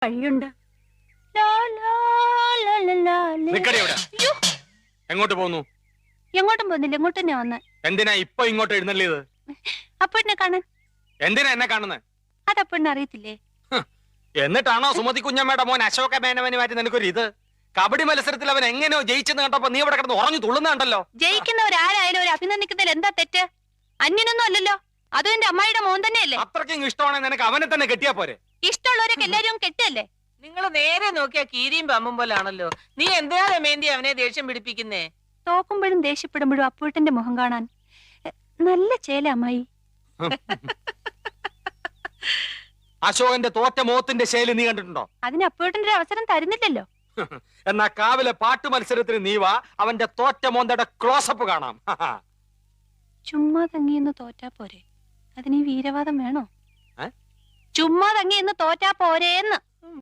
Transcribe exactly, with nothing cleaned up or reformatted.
വഴിയുണ്ട്. എങ്ങോട്ട് പോകുന്നു? എങ്ങോട്ടും പോകുന്നില്ല, ഇങ്ങോട്ട് തന്നെ വന്ന്. എന്തിനാ ഇപ്പൊ ഇങ്ങോട്ട് എഴുന്നള്ളിയത്? അപ്പഴിനെ കാണാൻ. എന്തിനാ എന്നെ കാണുന്നത്? അതപ്പഴിനെ അറിയത്തില്ലേ? എന്നിട്ടാണോ സുമതി കുഞ്ഞമ്മയുടെ മോൻ അശോക മേനവന് മാറ്റി നിനക്കൊരു ഇത്? കബഡി മത്സരത്തിൽ അവൻ എങ്ങനെയോ ജയിച്ചെന്ന് കണ്ടപ്പോ നീ ഇവിടെ കിടന്ന് ഉറഞ്ഞു തുള്ളുന്നുണ്ടല്ലോ. ജയിക്കുന്നവരാരായാലും ഒരു അഭിനന്ദിക്കുന്നതിൽ എന്താ തെറ്റ്? അന്യനൊന്നും അല്ലല്ലോ, അതും എന്റെ അമ്മായിയുടെ മോൻ തന്നെയല്ലേ. അത്രയ്ക്കും ഇഷ്ടമാണെങ്കിൽ നിനക്ക് അവനെ തന്നെ കെട്ടിയാ പോരെ? ഇഷ്ടമുള്ളവരൊക്കെ എല്ലാരും കെട്ടല്ലേ? നിങ്ങൾ നേരെ നോക്കിയാ കീരിയും പമ്പും പോലാണല്ലോ. നീ എന്തിനാ രമേന്തി അവനെ ദേഷ്യം പിടിപ്പിക്കുന്നേ? തോക്കുമ്പോഴും ദേഷ്യപ്പെടുമ്പോഴും അപ്പൂട്ടന്റെ മുഖം കാണാൻ നല്ല ചേല അമ്മായി. അശോകന്റെ തോറ്റ മോത്തിന്റെ ശൈലി നീ കണ്ടിട്ടുണ്ടോ? അതിന് അപ്പൂട്ടന്റെ ഒരു അവസരം തരുന്നില്ലല്ലോ. എന്നാ കാവിലെ പാട്ട് മത്സരത്തിന് നീ വാ, അവന്റെ തോറ്റ മോന്തയുടെ ക്ലോസപ്പ് കാണാം. ചുമ്മാ തങ്ങിയെന്ന് തോറ്റാ പോരെ, അതിന് ഈ വീരവാദം വേണോ? ചുമ്മാ തങ്ങിയെന്ന് തോറ്റാ പോരേന്ന്.